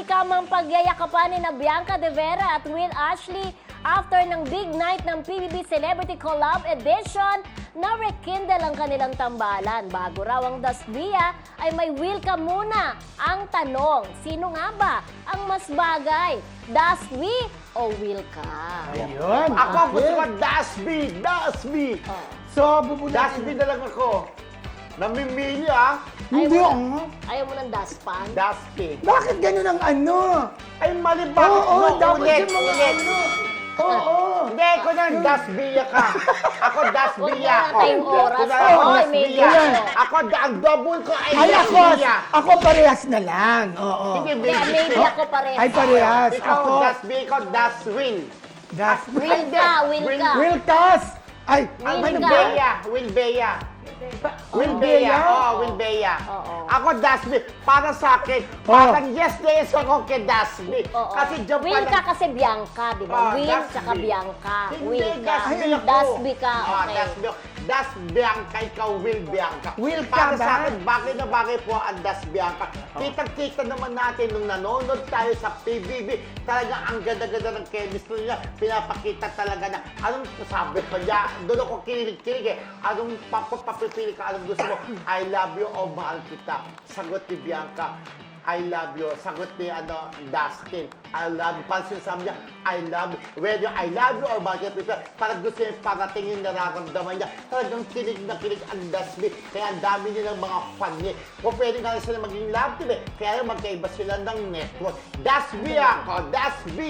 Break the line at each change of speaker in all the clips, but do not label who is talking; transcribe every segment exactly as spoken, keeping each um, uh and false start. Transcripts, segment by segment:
kamang pagyayakapan ni na Bianca De Vera at Will Ashley after ng big night ng P B B Celebrity Collab Edition na rekindle ang kanilang tambalan. Bago raw ang Dasbia ay may will ka muna. Ang tanong, sino nga ba ang mas bagay? Dasbi o will ka?
Ayun.
Ako
okay.
gusto ko Dasby! Dasby!
Oh.
So, bubunutin.
Dasby na lang ako. Namimili ah.
Hindi
Ayaw
ah.
mo na- Ayaw mo ng daspan?
Dasby.
Bakit ganun ang ano?
Ay, mali ba?
Oo,
No,
dapat
ulit,
yung mga
ulit.
ano. Oo.
Hindi, ako na Dasbiya ka. Ako Dasbiya
Huwag na
ako.
tayong oras.
Kunwari ako
Oo, may
Dasbiya.
ganyan.
Ako, ang double ko ay
Ay, ako,
Dasbiya.
ako parehas na lang. Oo.
Hindi,
Hindi,
baby.
maybe ako parehas.
Ay, parehas.
Ikaw,
Ako,
Dasby, ikaw, Daswin.
das.
Will ka, will ka.
Will Cas. Ay,
Will
ano
ka.
ba?
Bea, Will Bea. Will
Oo.
Bea.
Bea.
Oh, Will Bea.
Oo.
Ako, Dasby. Para sa akin,
Oh.
parang yes na yes ako kay Dasby.
Oo.
Kasi dyan pa
Will
lang-
ka kasi Bianca, di ba?
Ah,
Will
Dasby.
tsaka Bianca.
Hindi,
Will ka.
Dasby ako.
Dasby ka,
Ah,
okay.
Dasby. Das Bianca, ikaw Will Bianca.
Will
Para
ka
sa
ba?
akin, bagay na bagay po ang Das Bianca. Kitang-kita naman natin nung nanonood tayo sa P B B, talagang ang ganda-ganda ng chemistry niya. Pinapakita talaga na, anong sabi ko niya, doon ako kinilig-kilig eh. Anong papapapipili ka, anong gusto mo? I love you o mahal kita. Sagot ni Bianca. I love you. Sagot ni ano, Dustin. I love you. Parang sinasabi niya, I love you. Whether I love you or bakit ito, parang gusto niya parating yung nararamdaman niya. Talagang kilig na kilig ang Dustin. Kaya ang dami nilang mga fan niya. Kung pwede nga sila maging love team eh. Kaya magkaiba sila ng network. Dasby ako. Dasby.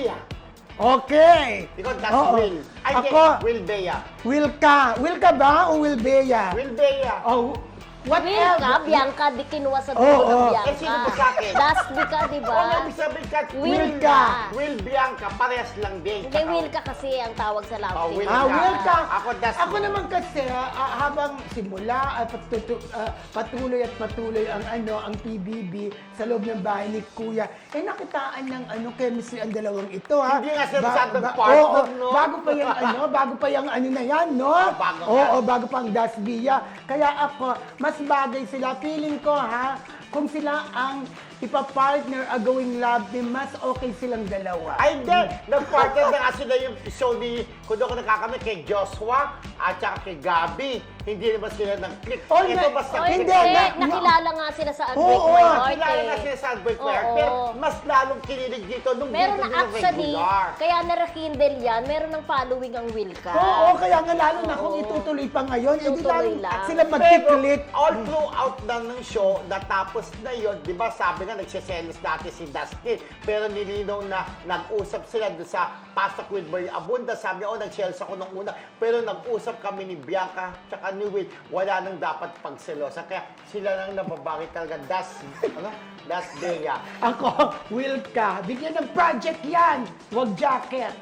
Okay.
Ikaw, Das
Oo.
Will. Ay, hindi.
Ako,
Will Bea.
Will ka. Will ka ba o Will Bea?
Will Bea.
Oh,
Will
whatever.
ka, Bianca, di kinuha sa dulo
Oo,
ng
oo.
Bianca.
Eh, sino ba sa akin?
Dasby ka, di ba?
Kung ibig sabihin ka,
Will
ka.
Will Bianca, parehas lang din.
Hindi, will ka kasi ang tawag sa love
Oh,
team.
will
Ah,
ka.
will ka.
Ako, Das
Ako
Will.
naman kasi, ah, habang simula at patutu, ah, patuloy at patuloy ang ano ang P B B sa loob ng bahay ni Kuya, eh nakitaan ng ano chemistry ang dalawang ito ha.
Hindi nga sila masyadong
oo,
partner, no?
Bago pa yung ano, bago pa yung ano na yan, no?
Oh, bago
Oo,
nga.
bago pa ang Dasbia. Kaya ako, mas bagay sila. Feeling ko ha, kung sila ang ipapartner a going love team, mas okay silang dalawa.
Ay, hindi. Nag-partner na kasi na yung show ni, kung doon ko nakakamit, kay Joshua at saka kay Gabi. Hindi naman sila nag-click.
Oh,
Ito
na-
mas
Oh,
nag-click.
hindi.
na-
Nakilala nga sila sa Unbreak
Oo,
My
oo.
Heart
Kilala
eh.
na sila sa Albert
Oo.
Claire, pero mas lalong kinilig dito nung
Meron
dito
na
nila
actually,
regular.
kaya na-rekindle yan, meron ng following ang Will ka.
Oo, kaya nga lalo na kung
Oo.
itutuloy pa ngayon, edi
Tutuloy
lalo
lang.
sila
Pero
magkiklik.
all throughout na ng show, natapos na yun, di ba sabi nga, nagsiselos dati si Dustin, pero nilinaw na nag-usap sila doon sa Pasok with Boy Abunda. Sabi niya, oh, nag-selos ako nung una, pero nag-usap kami ni Bianca tsaka ni Will, wala nang dapat pagselosa. Kaya sila nang nababaki talaga, Das, ano? Das Bea.
Ako, will ka. Bigyan ng project yan. Huwag jacket.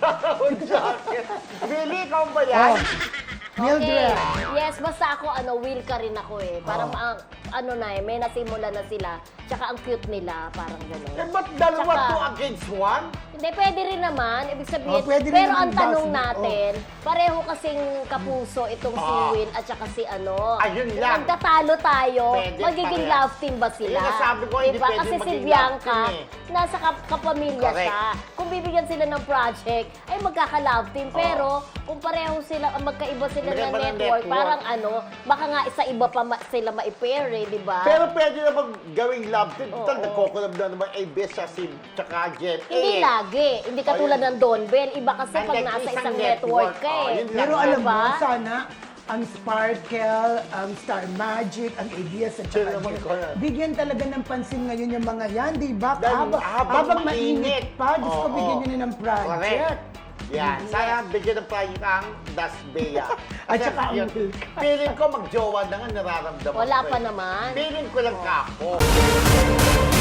Really, ikaw ba yan?
Oh. Mildred.
Yes, basta ako, ano, will ka rin ako eh. Parang,
Oo.
ang- ano na eh, may nasimula na sila. Tsaka ang cute nila, parang
Eh,
gano'n.
ba't dalawa
Tsaka-
two against one?
Hindi, pwede rin naman. Ibig sabihin,
Oh, pwede rin
pero
naman
ang tanong
Dasby.
natin, pareho kasing kapuso itong si
Ah.
Will at saka si ano.
Ayun
Kung
lang.
magtatalo tayo,
Pwede,
magiging
pareha.
love team ba sila?
Yun ang sabi ko, hindi
Diba?
pwede
Kasi si
maging love
Bianca,
team eh.
nasa kap kapamilya
Correct.
siya. Kung bibigyan sila ng project, ay magkaka-love team. Pero kung pareho sila, magkaiba sila ng
Magkaiba ng
network,
network.
parang ano, baka nga isa iba pa ma- sila ma-pair eh, di ba?
Pero pwede naman gawing love team.
Oo.
Total, nagkokolab na naman A B S sa si tsaka Jet.
Hindi
eh,
lagi. Hindi katulad ng Don Bell. Iba kasi pag
Hindi,
nasa
isang
isang
network.
network ka
Oh,
eh.
yun lang.
Pero
Diba?
alam mo, sana ang Sparkle, ang Star Magic, ang A B S at
Sila
saka
naman
Jet,
ko yan.
bigyan talaga ng pansin ngayon yung mga yan, di ba?
Dahil
Habang,
habang
habang
mainit.
mainit pa, Diyos ko,
Oo.
bigyan nyo na ng project.
Correct. Yan. Sana bigyan ng project ang Das Bea.
At
Kasi
saka ang
yun,
Will ka.
feeling ko magjowa na nga nararamdaman
Wala
ko
pa
eh.
naman.
Feeling ko lang ka ako.